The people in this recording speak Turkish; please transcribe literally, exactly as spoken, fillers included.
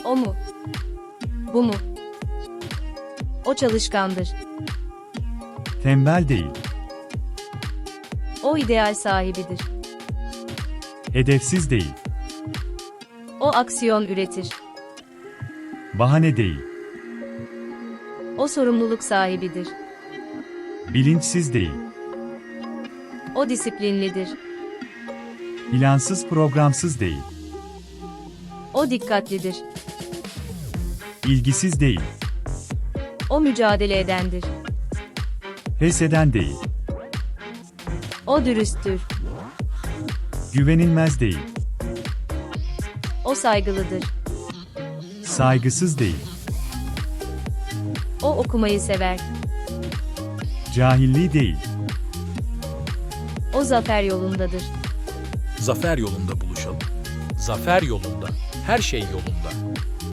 O mu? Bu mu? O çalışkandır. Tembel değil. O ideal sahibidir. Hedefsiz değil. O aksiyon üretir. Bahane değil. O sorumluluk sahibidir. Bilinçsiz değil. O disiplinlidir. Plansız programsız değil. O dikkatlidir. İlgisiz değil. O mücadele edendir. Pes eden değil. O dürüsttür. Güvenilmez değil. O saygılıdır. Saygısız değil. O okumayı sever. Cahilliği değil. O zafer yolundadır. Zafer yolunda buluşalım. Zafer yolunda, her şey yolunda.